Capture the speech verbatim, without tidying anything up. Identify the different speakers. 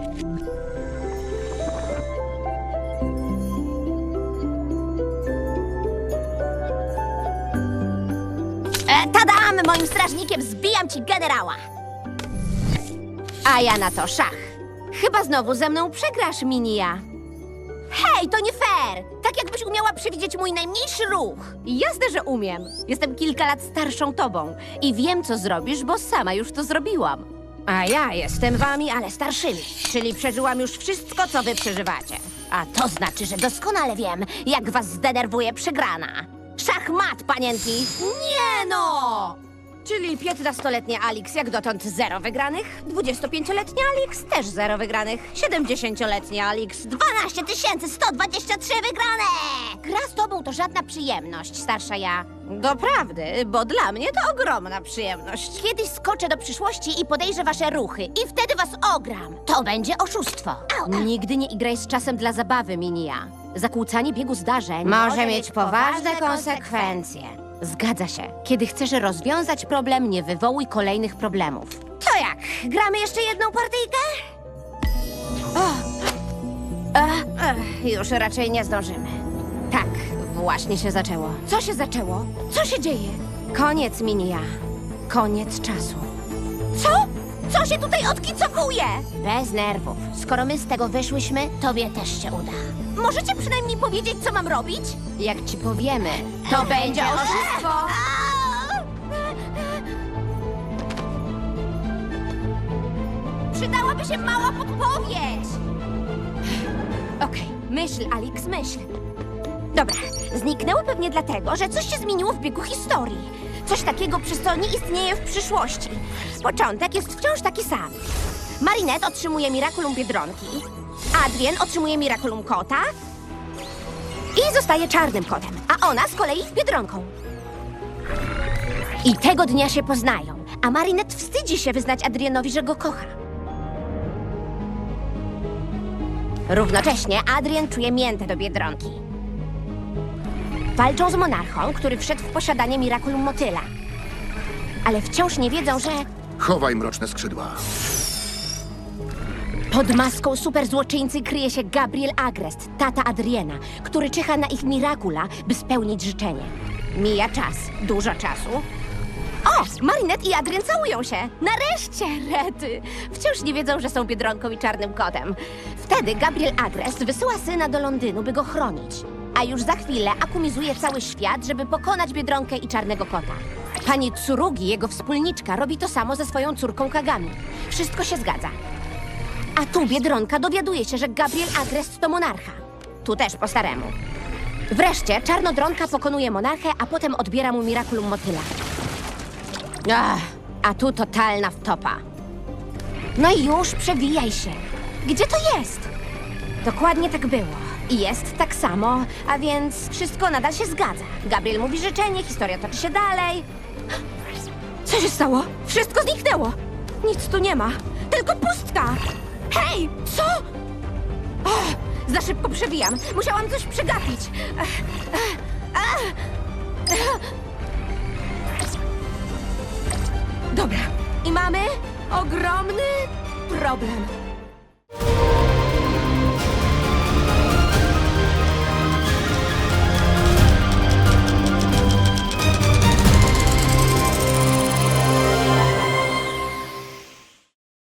Speaker 1: E, tadam! Moim strażnikiem zbijam ci generała! A ja na to szach. Chyba znowu ze mną przegrasz, Minia. Hej, to nie fair! Tak jakbyś umiała przewidzieć mój najmniejszy ruch. Jasne, że umiem. Jestem kilka lat starszą tobą i wiem, co zrobisz, bo sama już to zrobiłam. A ja jestem wami, ale starszymi, czyli przeżyłam już wszystko, co wy przeżywacie. A to znaczy, że doskonale wiem, jak was zdenerwuje przegrana. Szachmat, panienki! Nie no! Czyli piętnastoletnia Alix jak dotąd zero wygranych, dwudziestopięcioletnia Alix też zero wygranych, siedemdziesięcioletnia Alix dwanaście tysięcy sto dwadzieścia trzy wygrane! Gra z tobą to żadna przyjemność, starsza ja. Doprawdy, bo dla mnie to ogromna przyjemność. Kiedyś skoczę do przyszłości i podejrzę wasze ruchy i wtedy was ogram. To będzie oszustwo. Nigdy nie igraj z czasem dla zabawy, Minia. Zakłócanie biegu zdarzeń może mieć poważne konsekwencje. Zgadza się. Kiedy chcesz rozwiązać problem, nie wywołuj kolejnych problemów. To jak? Gramy jeszcze jedną partyjkę? O. Ech, ech, już raczej nie zdążymy. Tak, właśnie się zaczęło. Co się zaczęło? Co się dzieje? Koniec, Minia. Koniec czasu. Co? Co się tutaj odkicowuje? Bez nerwów. Skoro my z tego wyszłyśmy, tobie też się uda. Możecie przynajmniej powiedzieć, co mam robić? Jak ci powiemy, to będzie oszustwo. Przydałaby się mała podpowiedź. Okej, myśl, Alix, myśl. Dobra, zniknęły pewnie dlatego, że coś się zmieniło w biegu historii. Coś takiego, przez co nie istnieje w przyszłości. Początek jest wciąż taki sam. Marinette otrzymuje Miraculum Biedronki, Adrien otrzymuje Miraculum Kota i zostaje czarnym kotem, a ona z kolei Biedronką. I tego dnia się poznają, a Marinette wstydzi się wyznać Adrienowi, że go kocha. Równocześnie Adrien czuje miętę do Biedronki. Walczą z monarchą, który wszedł w posiadanie Miraculum Motyla. Ale wciąż nie wiedzą, że
Speaker 2: Chowaj mroczne skrzydła.
Speaker 1: pod maską superzłoczyńcy kryje się Gabriel Agrest, tata Adriena, który czyha na ich Miracula, by spełnić życzenie. Mija czas, dużo czasu. O, Marinette i Adrien całują się. Nareszcie, rety. Wciąż nie wiedzą, że są Biedronką i czarnym kotem. Wtedy Gabriel Agrest wysyła syna do Londynu, by go chronić. A już za chwilę akumizuje cały świat, żeby pokonać Biedronkę i czarnego kota. Pani Tsurugi, jego wspólniczka, robi to samo ze swoją córką Kagami. Wszystko się zgadza. A tu Biedronka dowiaduje się, że Gabriel Agrest to monarcha. Tu też po staremu. Wreszcie Czarnodronka pokonuje monarchę, a potem odbiera mu Miraculum Motyla. Ach, a tu totalna wtopa. No i już przewijaj się. Gdzie to jest? Dokładnie tak było. I jest tak samo, a więc wszystko nadal się zgadza. Gabriel mówi życzenie, historia toczy się dalej. Co się stało? Wszystko zniknęło. Nic tu nie ma, tylko pustka. Hej, co? O, za szybko przewijam. Musiałam coś przegapić. Ech, ech, ech, ech. Dobra, i mamy ogromny problem.